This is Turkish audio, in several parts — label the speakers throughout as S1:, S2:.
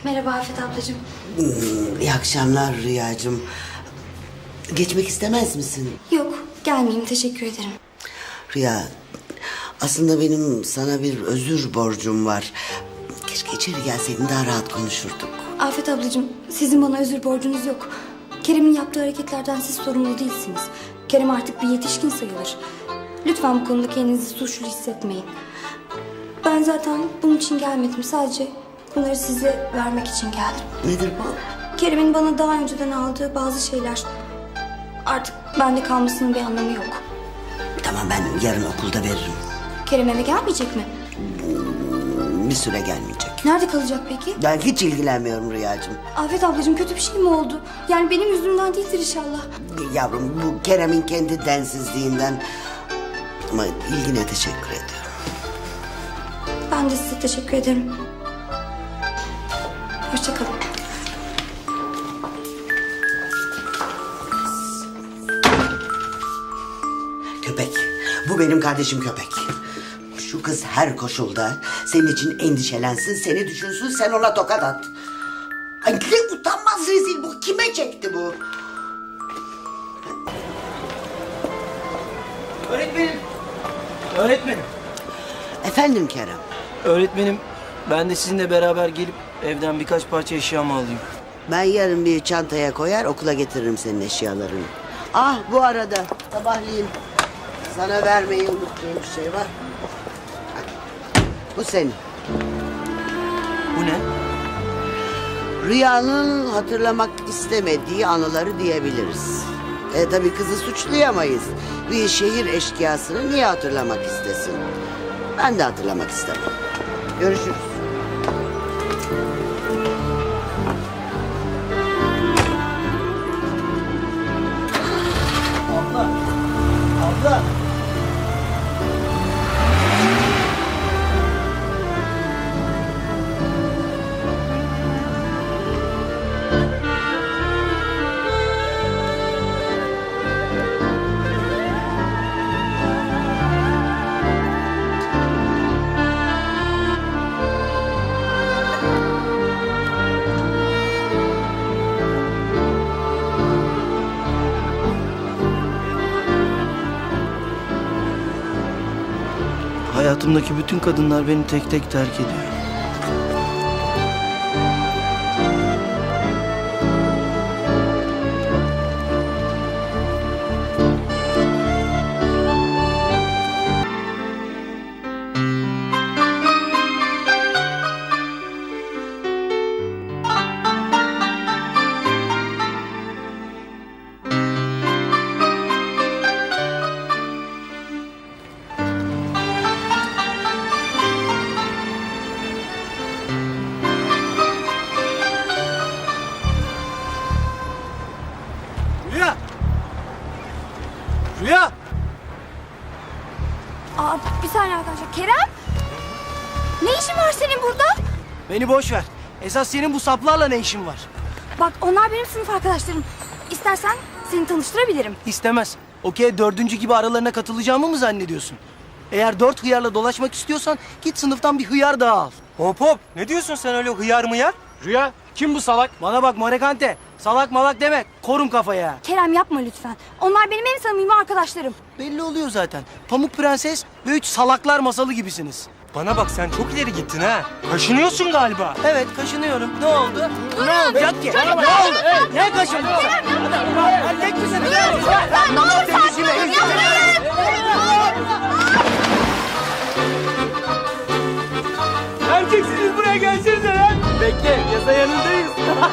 S1: Merhaba Afet ablacığım.
S2: İyi akşamlar Rüyacığım. Geçmek istemez misin?
S1: Yok, gelmeyeyim, teşekkür ederim.
S2: Rüya, aslında benim sana bir özür borcum var. Keşke içeri gelseydin, daha rahat konuşurduk.
S1: Afet ablacığım, sizin bana özür borcunuz yok. Kerem'in yaptığı hareketlerden siz sorumlu değilsiniz. Kerem artık bir yetişkin sayılır. Lütfen bu konuda kendinizi suçlu hissetmeyin. Ben zaten bunun için gelmedim. Sadece bunları size vermek için geldim.
S2: Nedir bu?
S1: Kerem'in bana daha önceden aldığı bazı şeyler artık bende kalmasının bir anlamı yok.
S2: Tamam, ben yarın okulda veririm.
S1: Kerem eve gelmeyecek mi?
S2: Bir süre gelmeyecek.
S1: Nerede kalacak peki?
S2: Ben hiç ilgilenmiyorum Rüyacığım.
S1: Afet ablacığım, kötü bir şey mi oldu? Yani benim yüzümden değildir inşallah.
S2: Yavrum, bu Kerem'in kendi densizliğinden. Ama ilgine teşekkür ediyorum.
S1: Ben de size teşekkür ederim. Hoşça kalın.
S2: Köpek. Bu benim kardeşim köpek. Şu kız her koşulda senin için endişelensin, seni düşünsün, sen ona tokat at. Ay ne utanmaz rezil bu. Kime çekti bu?
S3: Öğretmenim. Öğretmenim.
S2: Efendim Kerem.
S3: Öğretmenim, ben de sizinle beraber gelip evden birkaç parça eşyamı alayım.
S2: Ben yarın bir çantaya koyar, okula getiririm senin eşyalarını. Ah, bu arada sabahleyin sana vermeyi unuttuğum bir şey var. Bu senin.
S3: Bu ne?
S2: Rüyanın hatırlamak istemediği anıları diyebiliriz. Tabii kızı suçlayamayız. Bir şehir eşkıyasını niye hatırlamak istesin? Ben de hatırlamak istemem. Görüşürüz.
S3: Abla. Abla. Hayatımdaki bütün kadınlar beni tek tek terk ediyor. Rüya! Rüya!
S1: Aa, bir saniye arkadaşlar. Kerem! Ne işin var senin burada?
S3: Beni boş ver. Esas senin bu saplarla ne işin var?
S1: Bak, onlar benim sınıf arkadaşlarım. İstersen seni tanıştırabilirim.
S3: İstemez. Okey, dördüncü gibi aralarına katılacağımı mı zannediyorsun? Eğer 4 hıyarla dolaşmak istiyorsan git sınıftan bir hıyar daha al.
S4: Hop hop, ne diyorsun sen öyle hıyar mıyar?
S5: Rüya, kim bu salak?
S3: Bana bak Morekante, salak malak deme, korum kafaya.
S1: Kerem, yapma lütfen. Onlar benim en samimi arkadaşlarım.
S3: Belli oluyor zaten. Pamuk Prenses ve 3 salaklar masalı gibisiniz.
S4: Bana bak, sen çok ileri gittin ha. Kaşınıyorsun galiba.
S3: Evet, kaşınıyorum. Ne oldu? Ne oldu? Yok ki. Ne oldu? Ne kaşındın sen? Erkek misin?
S1: Ne olur sakin olun.
S4: Erkeksiniz, buraya gelsenize lan.
S3: Bekle, yasa yanındayız.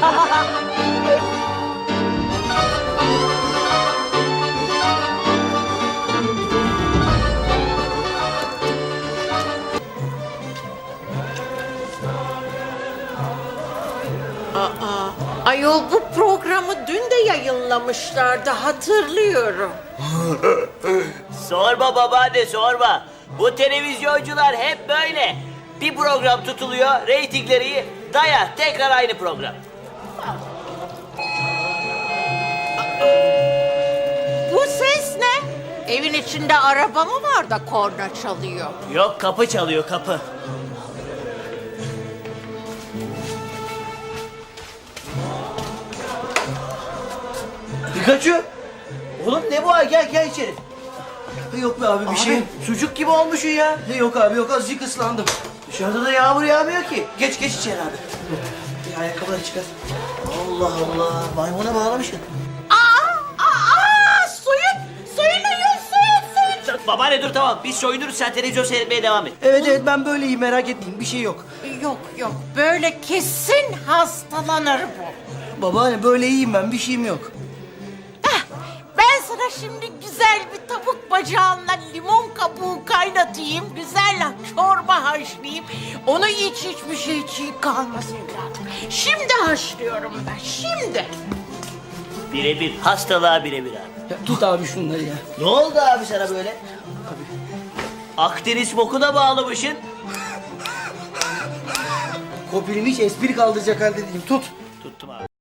S6: Ayol, bu programı dün de yayınlamışlardı, hatırlıyorum.
S7: Sorma babaanne, sorma. Bu televizyoncular hep böyle. Bir program tutuluyor, reytingleri iyi. Daya, tekrar aynı program.
S6: Bu ses ne? Evin içinde araba mı var da korna çalıyor?
S7: Yok, kapı çalıyor, kapı.
S5: Pikachu. Oğlum ne bu hal? Gel içeri.
S3: Yok be abi bir şey.
S5: Sucuk gibi olmuşsun ya.
S3: Yok abi yok azıcık ıslandım.
S5: Dışarıda da yağmur yağmıyor ki. Geç içeri abi. Bir ayakkabıları çıkar. Allah Allah. Maymuna bağlamışsın.
S6: Soyunun soyun.
S7: Babaanne dur tamam. Biz soyunuruz, sen televizyon seyretmeye devam et.
S3: Evet ben böyleyim merak etmeyin bir şey yok.
S6: Yok böyle kesin hastalanır bu.
S3: Babaanne böyle iyiyim ben bir şeyim yok.
S6: Ben sana şimdi güzel bir tavuk bacağınla limon kabuğu kaynatayım. Güzel çorba haşlayayım. Onu iç hiçbir şey çiğ kalmasın evladım. Şimdi haşlıyorum ben şimdi.
S7: Birebir. Hastalığa birebir abi.
S3: Ya, tut abi şunları ya.
S5: Ne oldu abi sana böyle?
S7: Akdeniz bokuna bağlamışsın.
S3: Kopilimi hiç espri kaldıracak halde değilim tut.
S7: Tuttum abi.